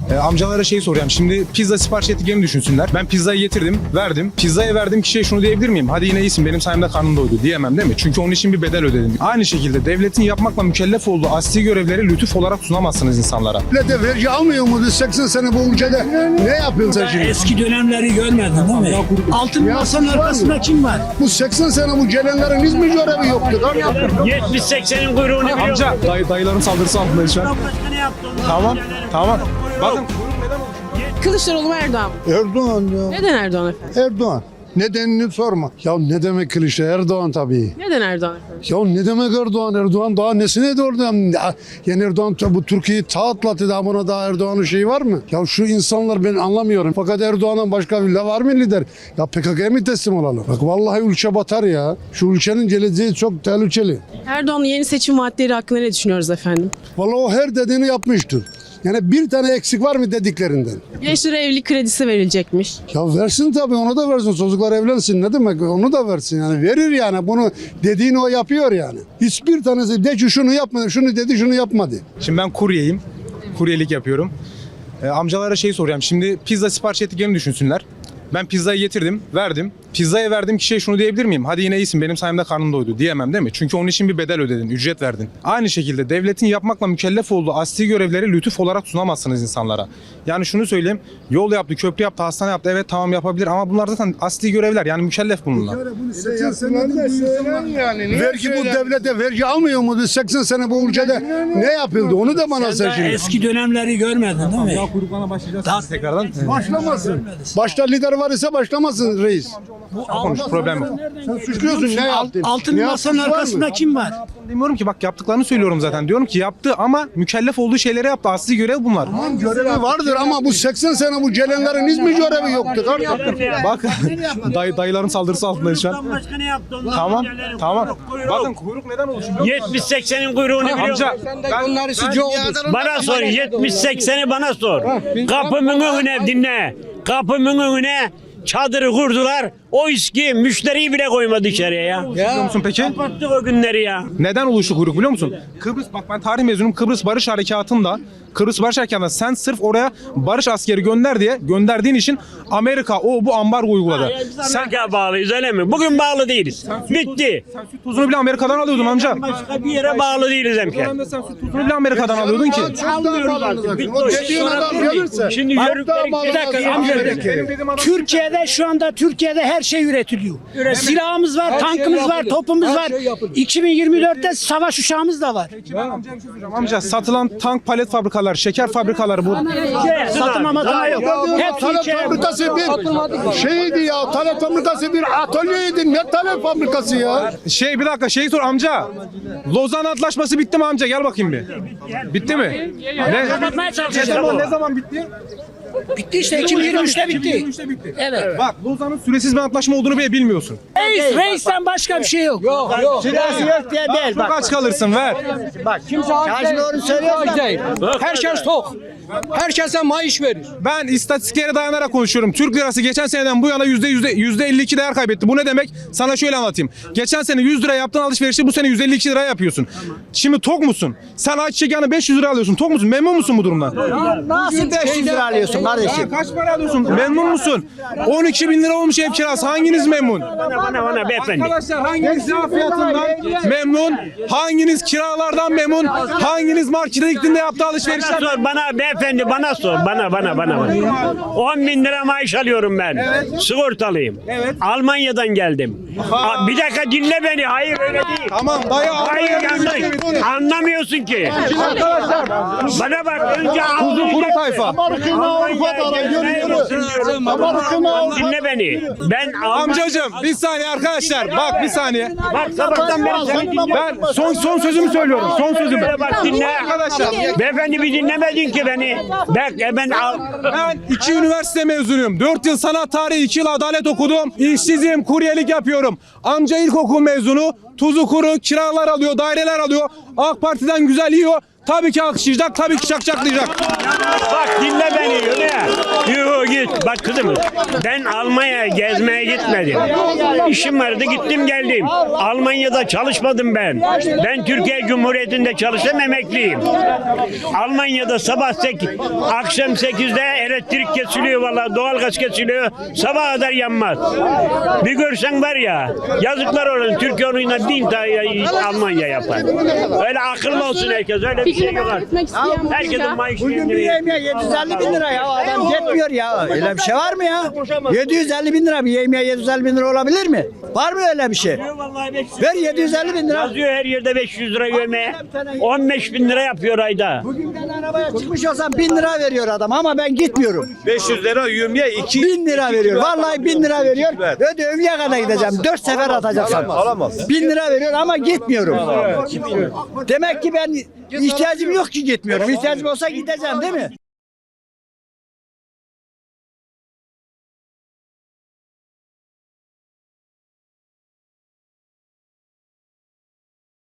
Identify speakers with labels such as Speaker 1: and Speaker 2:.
Speaker 1: Amcalara şey soracağım. Şimdi pizza sipariş ettiklerini düşünsünler. Ben pizzayı getirdim, verdim. Pizzaya verdiğim kişiye şunu diyebilir miyim? Hadi yine iyisin, benim sayemde karnın doydu diyemem değil mi? Çünkü onun için bir bedel ödedim. Aynı şekilde devletin yapmakla mükellef olduğu asli görevleri lütuf olarak sunamazsınız insanlara.
Speaker 2: Devlet vergi almıyor mu? 80 sene bu ülkede ne yapıyorsun sen şimdi?
Speaker 3: Eski dönemleri görmedin değil mi? Altın masanın arkasında kim var?
Speaker 2: Bu 80 sene bu gelenlerin hiç mi görevi yoktu?
Speaker 4: 70-80'in kuyruğunu biliyor.
Speaker 1: Amca, dayıların saldırısı altındayız şu an. Tamam. Bakın
Speaker 5: Kılıçdaroğlu mu Erdoğan mı?
Speaker 2: Erdoğan ya.
Speaker 5: Neden Erdoğan efendim?
Speaker 2: Erdoğan. Nedenini sorma. Ya ne demek Kılıçdaroğlu? Erdoğan tabii.
Speaker 5: Neden Erdoğan efendim?
Speaker 2: Ya ne demek Erdoğan? Erdoğan daha nesine de oradan? Yani Erdoğan bu Türkiye'yi atlattı daha buna daha Erdoğan'ın şeyi var mı? Ya şu insanlar ben anlamıyorum. Fakat Erdoğan'dan başka bir var mı lider? Ya PKK'ya mı teslim olalım? Bak vallahi ülke batar ya. Şu ülkenin geleceği çok tehlikeli.
Speaker 5: Erdoğan'ın yeni seçim vaatleri hakkında ne düşünüyoruz efendim?
Speaker 2: Vallahi o her dediğini yapmıştır. Yani bir tane eksik var mı dediklerinden?
Speaker 5: Gençlere evlilik kredisi verilecekmiş.
Speaker 2: Ya versin tabii, onu da versin. Çocuklar evlensin, ne demek, onu da versin yani. Verir yani, bunu dediğini o yapıyor yani. Hiçbir tanesi de ki şunu yapmadı, şunu dedi, şunu yapmadı.
Speaker 1: şimdi ben kuryeyim. Kuryelik yapıyorum. Amcalara şey soracağım. Şimdi pizza sipariş ettiklerini düşünsünler. Ben pizzayı getirdim, verdim. Pizzaya verdiğim kişiye şunu diyebilir miyim? Hadi yine iyisin, benim sayemde karnın doydu diyemem değil mi? Çünkü onun için bir bedel ödedin, ücret verdin. Aynı şekilde devletin yapmakla mükellef olduğu asli görevleri lütuf olarak sunamazsınız insanlara. Yani şunu söyleyeyim, yol yaptı, köprü yaptı, hastane yaptı, evet tamam yapabilir ama bunlar zaten asli görevler, yani mükellef bununla.
Speaker 2: Vergi bu devlete vergi almıyor mu? 80 sene bu ülkede ne yapıldı? Onu da bana sen şimdi.
Speaker 3: Eski dönemleri görmedin değil mi?
Speaker 1: Ya kuyruklarına başlayacağız tekrardan.
Speaker 2: Başlamasın. Başta lider var ise başlamasın reis.
Speaker 1: Konuş, problem yok.
Speaker 2: Sen suçluyorsun, ne yaptın?
Speaker 3: Altın
Speaker 2: Ne
Speaker 3: masanın
Speaker 2: yaptın, var mı?
Speaker 3: arkasında kim var?
Speaker 1: Demiyorum ki, bak yaptıklarını söylüyorum zaten. Diyorum ki yaptı ama mükellef olduğu şeyleri yaptı. Asli görev bunlar.
Speaker 2: Görevi vardır ama bu 80 sene bu gelenlerin hiç mi görevi yoktu?
Speaker 1: Bak dayıların saldırısı altındayız şu an.
Speaker 4: Başka ne yaptı?
Speaker 1: Tamam. Bakın kuyruk neden oluşuyor?
Speaker 4: 70-80'in kuyruğunu biliyor.
Speaker 1: Amca
Speaker 4: Bana sor. 70-80'i bana sor. Kapımın önüne dinle. Kapımın önüne çadırı kurdular. O iski müşteriyi bile koymadı içeriye ya.
Speaker 1: biliyor musun peki?
Speaker 4: Kapattık o günleri ya.
Speaker 1: Neden oluştu kuyruk biliyor musun? Kıbrıs, bak ben tarih mezunum, Kıbrıs Barış Harekatı'nda sen sırf oraya barış askeri gönderdiğin için Amerika bu ambargo uyguladı.
Speaker 4: Sen Amerika'ya bağlıyız öyle mi? Bugün bağlı değiliz. Bitti.
Speaker 1: Sen süt tuzunu bile Amerika'dan alıyordun amca.
Speaker 4: Başka bir yere bağlı değiliz
Speaker 1: O
Speaker 4: hemşerim.
Speaker 1: dönemde sen süt tuzunu bile Amerika'dan alıyordun ki.
Speaker 2: O dediğin adam gelirse.
Speaker 4: Şimdi yörükleri
Speaker 3: Bir dakika amca. Türkiye'de şu anda her şey üretiliyor. Silahımız var, tankımız var, topumuz var. 2024'te savaş uçağımız da var.
Speaker 1: Amca satılan tank, palet fabrikaları, şeker fabrikaları bu.
Speaker 3: Satılmamakına yok. Hep
Speaker 2: Talep
Speaker 3: Türkiye.
Speaker 2: fabrikası bir şeydi ya. Talep fabrikası bir atölyeydi. Ne talep fabrikası ya?
Speaker 1: Bir dakika sor amca. Lozan Antlaşması bitti mi amca? Gel bakayım bir. Bitti mi?
Speaker 3: Kapatmaya çalışacağız.
Speaker 1: Ne zaman bitti?
Speaker 3: Bitti işte 2023'te bitti. Evet.
Speaker 1: Bak Lozan'ın süresiz bir antlaşma olduğunu bile bilmiyorsun.
Speaker 3: Reisten başka bir şey yok.
Speaker 6: Süresi yok diye değil.
Speaker 1: Çok aç kalırsın ver.
Speaker 6: Kazım doğru söylüyor. Herkes tok. Herkese maaş verir.
Speaker 1: Ben istatistiklere dayanarak konuşuyorum. Türk lirası geçen seneden bu yana %52 değer kaybetti. Bu ne demek? Sana şöyle anlatayım. Geçen sene 100 lira yaptığın alışverişi bu sene 152 lira yapıyorsun. Şimdi tok musun? Sen ayçiçek yağını 500 lira alıyorsun. Tok musun? Memnun musun bu durumdan?
Speaker 6: Nasıl 500 lira alıyorsun kardeşim?
Speaker 1: Kaç para alıyorsun? Memnun musun? 12 bin lira olmuş ev kirası. Hanginiz memnun?
Speaker 4: Bana beyefendi.
Speaker 1: Arkadaşlar hanginiz yağ fiyatından memnun? Hanginiz kiralardan memnun? Hanginiz markete gittiğinde yaptığı alışverişler?
Speaker 4: Bana sor bana beyefendi bana sor. Bana. 10 bin lira maaş alıyorum ben. Sigortalıyım. Almanya'dan geldim. Bir dakika dinle beni. Hayır öyle değil.
Speaker 1: Tamam dayı
Speaker 4: Hayır yanlış. Anlamıyorsun ki. Bana bak önce
Speaker 1: Kuzu kuru tayfa.
Speaker 4: Dinle beni. Ben
Speaker 1: Amcacım bir saniye arkadaşlar. Bak bir saniye.
Speaker 4: Bak sabahtan beri seni dinliyorum.
Speaker 1: Ben son sözümü söylüyorum. Son sözümü.
Speaker 4: Bak dinle.
Speaker 1: Arkadaşlar
Speaker 4: Beyefendi bir dinlemedin ki beni. Ben
Speaker 1: ben 2 üniversite mezunuyum. 4 yıl sanat tarihi, 2 yıl adalet okudum. İşsizim, kuryelik yapıyorum. Amca ilkokul mezunu. Tuzu kuru, kiralar alıyor, daireler alıyor. AK Parti'den güzel yiyor. Tabii ki alkışlayacak, tabii ki çakçaklayacak.
Speaker 4: bak dinle beni. Yuh git. Bak Bak kızım, ben Almanya'ya gezmeye gitmedim. İşim vardı, gittim geldim. Almanya'da çalışmadım ben. Ben Türkiye Cumhuriyeti'nde çalıştım, emekliyim. Almanya'da sabah 8, akşam 8'de elektrik kesiliyor vallahi, doğalgaz kesiliyor. Sabah kadar yanmaz. Bir görsen var ya, yazıklar olsun, Türkiye onunla 1000 tane Almanya yapar. Öyle akıllı olsun herkes, öyle bir şey
Speaker 5: Fikrini
Speaker 4: yok.
Speaker 5: beyan etmek isteyen var mı?
Speaker 4: Herkesin maaşı
Speaker 7: Bugün bir yemeğe 750 bin lira ya. Adam yetmiyor ya. Öyle bir şey var mı ya? 750 bin lira bir yemeğe 750 bin lira olabilir mi? Var mı öyle bir şey? Ver 750 bin lira.
Speaker 4: Yazıyor her yerde 500 lira yemeğe. 15 bin lira yapıyor ayda.
Speaker 7: Bugün ben arabaya çıkmış olsam 1000 lira veriyor adam ama ben gitmiyorum.
Speaker 8: 500 lira yemeğe 2
Speaker 7: 1000 lira veriyor. Vallahi 1000 lira veriyor. Ödevliye kadar gideceğim. 4 sefer atacaksın.
Speaker 8: alamaz.
Speaker 7: 1000 lira veriyor ama gitmiyorum. Demek ki ben ihtiyacım yok ki gitmiyorum. İhtiyacım olsa gideceğim değil mi?